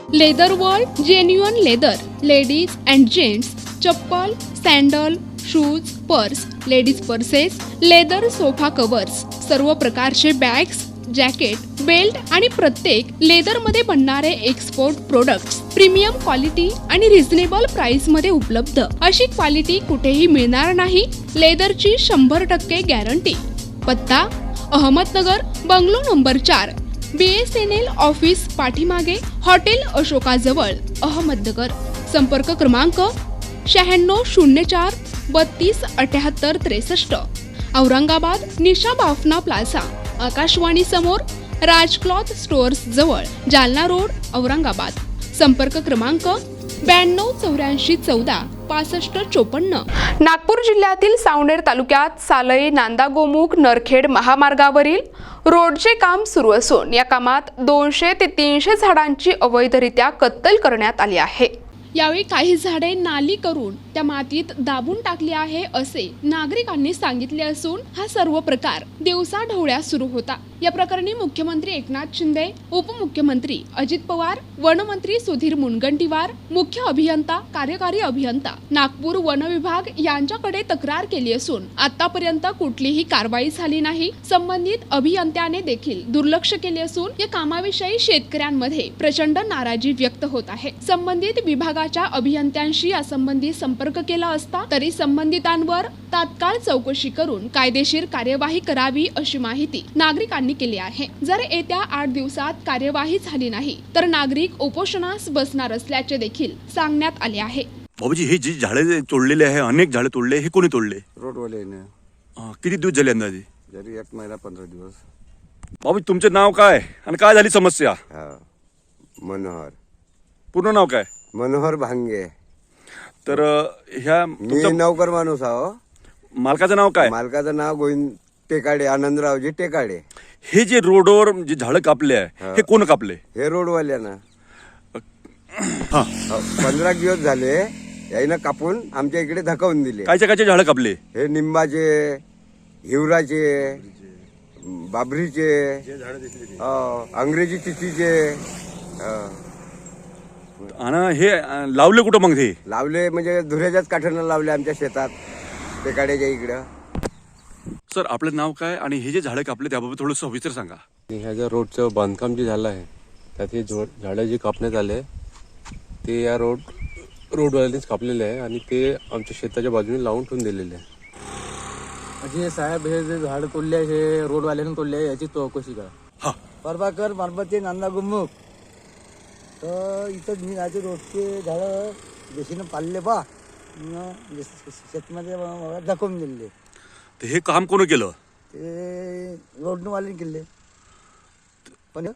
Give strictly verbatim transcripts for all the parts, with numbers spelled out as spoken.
Leather world genuine leather ladies and gents चप्पल, sandal, shoes, purse, ladies purses, leather sofa covers, सर्व प्रकारचे bags, jacket, belt आणि प्रत्येक लेदरमध्ये बनणारे एक्सपोर्ट प्रोडक्ट्स प्रीमियम क्वालिटी आणि रिझनेबल प्राइस मध्ये उपलब्ध. अशी क्वालिटी कुठेही मिळणार नाही. लेदरची शंभर टक्के गॅरंटी. पत्ता अहमदनगर, बंगलो नंबर चार, B S N L office पाठीमागे, हॉटेल अशोकाजवळ, अहमदनगर. संपर्क क्रमांक शहाण्णव शून्य चार बत्तीस अठ्याहत्तर त्रेसष्ट. औरंगाबाद निशा बाफना प्लाझा, आकाशवाणी समोर, राज क्लॉथ स्टोअर्स जवळ, जालना रोड, औरंगाबाद. संपर्क क्रमांक ब्याण्णव चौऱ्याऐंशी चौदा पासष्ट चोपन्न. नागपूर जिल्ह्यातील सावनेर तालुक्यात सालई नांदागोमुख नरखेड महामार्गावरील रोडचे काम सुरू असून या कामात दोनशे ते तीनशे झाडांची अवैधरित्या कत्तल करण्यात आली आहे. यावेळी काही झाडे नाली करून त्या मातीत दाबून टाकली आहे असे नागरिकांनी सांगितले असून हा सर्व प्रकार दिवसा ढवळ्या सुरू होता. या प्रकरणी मुख्यमंत्री एकनाथ शिंदे, उपमुख्यमंत्री अजित पवार, वनमंत्री सुधीर मुनगंटीवार, मुख्य अभियंता, कार्यकारी अभियंता, नागपूर वन विभाग यांच्याकडे तक्रार केली असून आतापर्यंत कुठलीही कारवाई झाली नाही. संबंधित अभियंत्याने देखील दुर्लक्ष केले असून या कामाविषयी शेतकऱ्यांमध्ये प्रचंड नाराजी व्यक्त होत आहे. संबंधित विभागाच्या अभियंत्यांशी यासंबंधी संपर्क केला असता तरी संबंधितांवर तात्काळ चौकशी करून कायदेशीर कार्यवाही करावी अशी माहिती नागरिकांनी केली आहे. जर येत्या आठ दिवसात कार्यवाही झाली नाही तर नागरिक उपोषणास बसणार असल्याचे देखील सांगण्यात आले आहे. बाबूजी, हे जी झाडे तोडलेले आहे, अनेक झाडे तोडले, हे कोणी तोडले? रोडवाल्याने. किती दिवस झाले अंदाजे? जरी एक महिना पंधरा दिवस. बाबूजी, तुमचे नाव काय आणि काय झाली समस्या? हा, मनोहर. पूर्ण नाव काय? मनोहर भांगे. तर ह्या मी नौकर माणूस आहो. मालकाचं नाव काय? मालकाचं नाव गोविंद टेकाडे, आनंदरावजी टेकाडे. हे जे रोडवर जे झाडं कापले आहे हे कोण कापले? हे रोडवाल्यानं. हा, पंधरा दिवस झाले याईनं कापून आमच्या इकडे धकावून दिले. कायच्या कायचे झाडं कापले? हे निंबाचे, हिवराचे, बाबरीचे, अंग्रेजी चिठीचे. आणि हे अं, लावले कुठं मग? हे लावले म्हणजे धुऱ्याच्याच काठानं लावले आमच्या शेतात, टेकाड्याच्या इकडं. सर, आपलं नाव काय आणि हे जे झाडं कापले त्याबाबत थोडं सविस्तर सांगा. ह्या ज्या रोडचं बांधकाम जे झालं आहे त्यात हे झाडं जे कापण्यात आले ते या रोड रोडवाल्यांनीच कापलेले आहे आणि ते आमच्या शेताच्या बाजूने लावून ठेवून दिलेले आहे. म्हणजे साहेब, हे जे झाड तोडले हे रोडवाल्याने तोडले याची चौकशी करा. हा, प्रभाकर मारबते नांदा गुमुख. तर इथं मी राहते, रोडचे झाडं देशीनं पाळले बा, शेतमध्ये दाखवून दिले. तर हे काम कोण केलं? ते रोडनवाल्याने केले. पण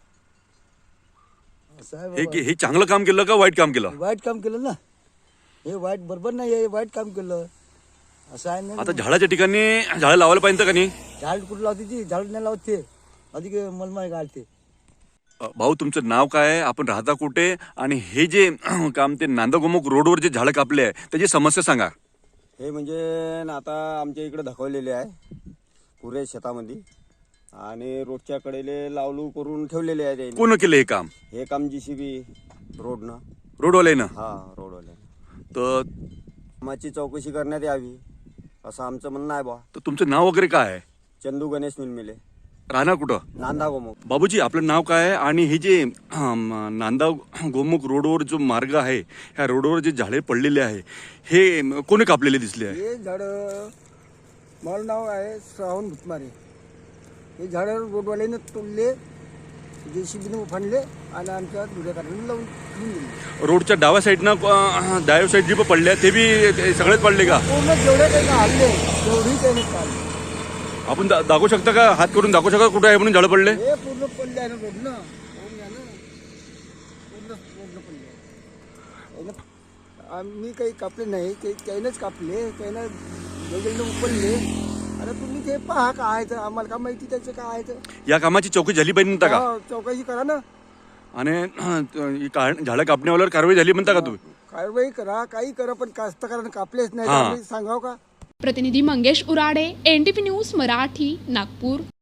साहेब, हे हे चांगलं काम केलं का वाईट काम केलं? वाईट काम केलं ना. हे वाईट बरोबर नाही, हे वाईट काम केलं असं आहे ना. आता झाडाच्या ठिकाणी झाडं लावायला पाहिजे का नाही? झाड कुठं लावते ती? झाड नाही लावते, अधिक मलमाय घालते. भाऊ, तुमचं नाव काय आहे, आपण राहता कुठे आणि हे जे काम ते नांदागोमुख रोडवर जे झाडं कापले आहे त्याची समस्या सांगा. हे म्हणजे ना आता आमच्या इकडे धकवलेले आहे पुरे शेतामध्ये आणि रोडच्या कडेले लावलू करून ठेवलेले आहे. त्याने कोण केलं हे काम? हे काम जीसीबी रोडनं. रोडवाल्यानं? हा, रोडवाल्यानं. तर कामाची चौकशी करण्यात यावी असं आमचं म्हणणं आहे बा. तर तुमचं नाव वगैरे काय आहे? चंदू गणेश मिलमिले, राहणार कुठं? नांदा गोमुख. बाबूजी, आपलं नाव काय आहे आणि हे जे अं, नांदा गोमुख रोडवर जो मार्ग आहे ह्या रोडवर जे झाडे पडलेले आहे हे कोणी कापलेले दिसले आहे? हे झाडं, माझं नाव आहे श्रावण भुतमारे. हे झाडं रोडवाल्याने तोडले, जेसीबीने उफाणले आणि आमच्या दुऱ्या काढून लावून ठेवून दिले. रोडच्या डाव्या साईडनं अं, डाव्या साईड जे पडले ते बी ते सगळेच पडले का? पूर्ण जेवढे काही हल्ले तेवढी त्याने काढले. आपण दा- दाखवू शकता का? हात करून दाखवू शकता कुठे आहे म्हणून झाडं पडले? हे पूर्ण पडले आहे ना रोडनं. पूर्ण आहे ना, पूर्ण पूर्ण पडले आहे ना. आम्ही काही कापले नाही, ते त्यानंच कापले, त्यानं वेगळं उपडले. आता तुम्ही ते पहा काय आहे, तर आम्हाला का माहिती त्याचं काय आहे. तर या कामाची चौकशी झाली पाहिजे म्हणता का? हा, चौकशी करा ना. आणि अं, ही का- झाडं कापण्यावर कारवाई झाली म्हणता का तुम्ही? कारवाई करा, काही करा, पण कास्तकारांना कापलेच नाही. हा. आम्ही सांगाव का? प्रतिनिधी Mangesh Urade, N T V news Marathi, Nagpur.